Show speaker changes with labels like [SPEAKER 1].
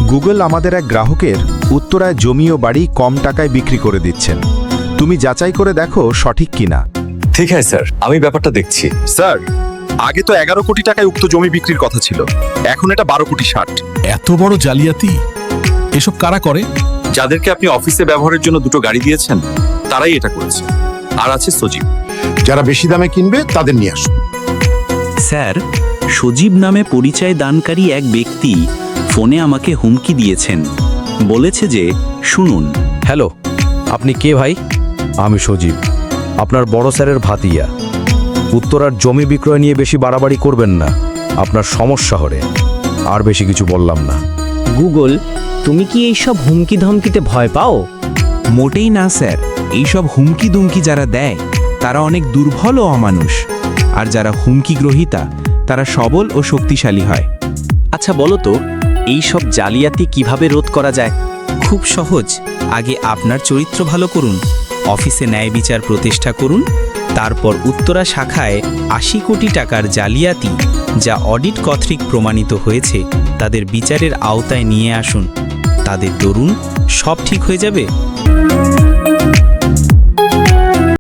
[SPEAKER 1] Google আমাদের এক গ্রাহকের উত্তরায় জমি ও বাড়ি কম টাকায় বিক্রি করে দিচ্ছেন। তুমি যাচাই করে দেখো সঠিক কিনা।
[SPEAKER 2] ঠিক আছে স্যার, আমি ব্যাপারটা দেখছি।
[SPEAKER 3] স্যার, আগে তো 11 কোটি টাকায় উক্ত জমি বিক্রির কথা ছিল, এখন এটা 12 কোটি 60।
[SPEAKER 4] এত বড় জালিয়াতি এসব কারা করে?
[SPEAKER 3] যাদেরকে আপনি অফিসে ব্যবহারের জন্য দুটো গাড়ি দিয়েছেন তারাই এটা করেছে। আর আছে সজীব।
[SPEAKER 5] যারা বেশি দামে কিনবে তাদের নিয়ে আসুন।
[SPEAKER 6] স্যার, সজীব নামে পরিচয় দানকারী এক ব্যক্তি ফোনে আমাকে হুমকি দিয়েছেন। বলেছে যে, শুনুন।
[SPEAKER 7] হ্যালো, আপনি কে ভাই? আমি সজীব, আপনার বড় স্যারের ভাতিয়া। উত্তরার জমি বিক্রয় নিয়ে বেশি বাড়াবাড়ি করবেন না, আপনার সমস্যা হবে। আর বেশি কিছু বললাম না।
[SPEAKER 8] গুগল, তুমি কি এইসব হুমকি ধমকিতে ভয় পাও?
[SPEAKER 9] মোটেই না স্যার। এইসব হুমকি দুমকি যারা দেয় তারা অনেক দুর্বল ও অমানুষ, আর যারা হুমকি গ্রহীতা তারা সবল ও শক্তিশালী হয়।
[SPEAKER 6] আচ্ছা বলো তো, এই সব জালিয়াতি কিভাবে রোধ করা যায়?
[SPEAKER 9] খুব সহজ। আগে আপনার চরিত্র ভালো করুন, অফিসে ন্যায় বিচার প্রতিষ্ঠা করুন, তারপর উত্তরা শাখায় 80 কোটি টাকার জালিয়াতি যা অডিট কর্তৃক প্রমাণিত হয়েছে তাদের বিচারের আওতায় নিয়ে আসুন। তাদের দরুন সব ঠিক হয়ে যাবে।